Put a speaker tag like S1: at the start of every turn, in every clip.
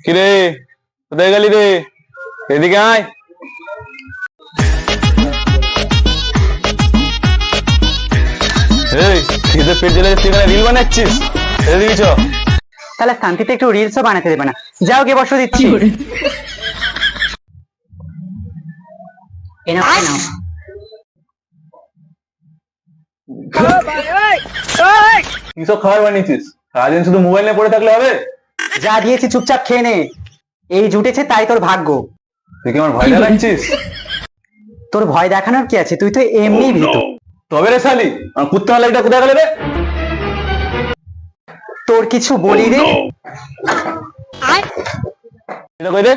S1: কিরে কোথায় গেলি রে? এদিকে আয়। এই খিদে পেট জ্বলে তুই এখানে রিল বানাচ্ছিস? এদিকে চ।
S2: তাহলে শান্তিতে একটু রিলসও বানাতে দেবে না। যাও গিয়ে বসো, দিচ্ছি। এ নাও, এ নাও।
S1: কিসব খাবার বানিয়েছিস? সারাদিন শুধু মোবাইল নিয়ে পড়ে থাকলে হবে?
S2: যা দিয়েছি চুপচাপ খেয়ে নে। এই জুটেছে তাই তোর ভাগ্য।
S1: তুই কি আমার ভয় দেখাচ্ছিস?
S2: তোর ভয় দেখানোর কি আছে, তুই তো এমনি ভীত।
S1: তবে রে শালি, আমার কুত্তা লাইটা কোথায় গেলে রে?
S2: তোর কিছু বলি রে।
S1: এটা কই রে?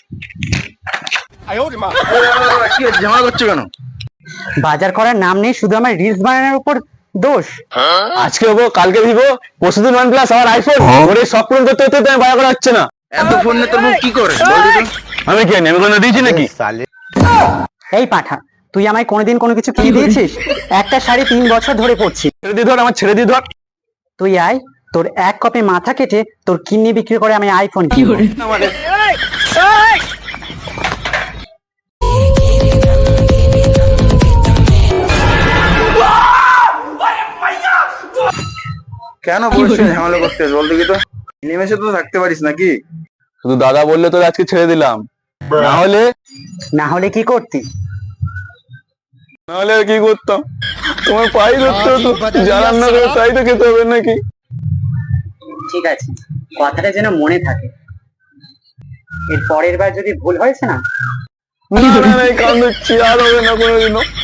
S1: কি হচ্ছে, ঝামেলা করছো কেন?
S2: বাজার করার নাম নেই, শুধু আমার রিলস বানানোর উপর দোষ।
S1: আজকে হবো, কালকে ভিভো, পরশুদিন OnePlus, আমার আইফোন। ওরে সব পূরণ করতে করতে তো আমি বাজার করা হচ্ছে না।
S3: এত ফোন নিয়ে তোর মুখ কি করে বল তো?
S1: আমি কি জানি, আমি কোনো দিয়েছি নাকি?
S2: এই পাঠা, তুই আমায় কোনোদিন কোনো কিছু কিনে দিয়েছিস? একটা শাড়ি 3 বছর ধরে পরছি।
S1: ছেড়ে দিয়ে ধর, আমার ছেড়ে দিয়ে ধর।
S2: তুই আয়, তোর এক কপে মাথা কেটে তোর কিডনি বিক্রি করে আমি আইফোন কিনবো।
S3: কেন বলছিস ঝামেলা করতে বল দেখি তো? নিমেষে তো থাকতে পারিস নাকি?
S1: শুধু দাদা বললে তোর আজকে ছেড়ে দিলাম,
S2: না হলে কি করতি?
S1: না হলে আর কি করতাম? তোমার পাই ধরতে হতো, যা রান্না করে তাই তো খেতে হবে নাকি?
S2: ঠিক আছে, কথাটা যেন মনে থাকে। এর পরের বার যদি ভুল হয়েছে না,
S1: না না না, এই কান ধরছি, আর হবে না কোনোদিনও।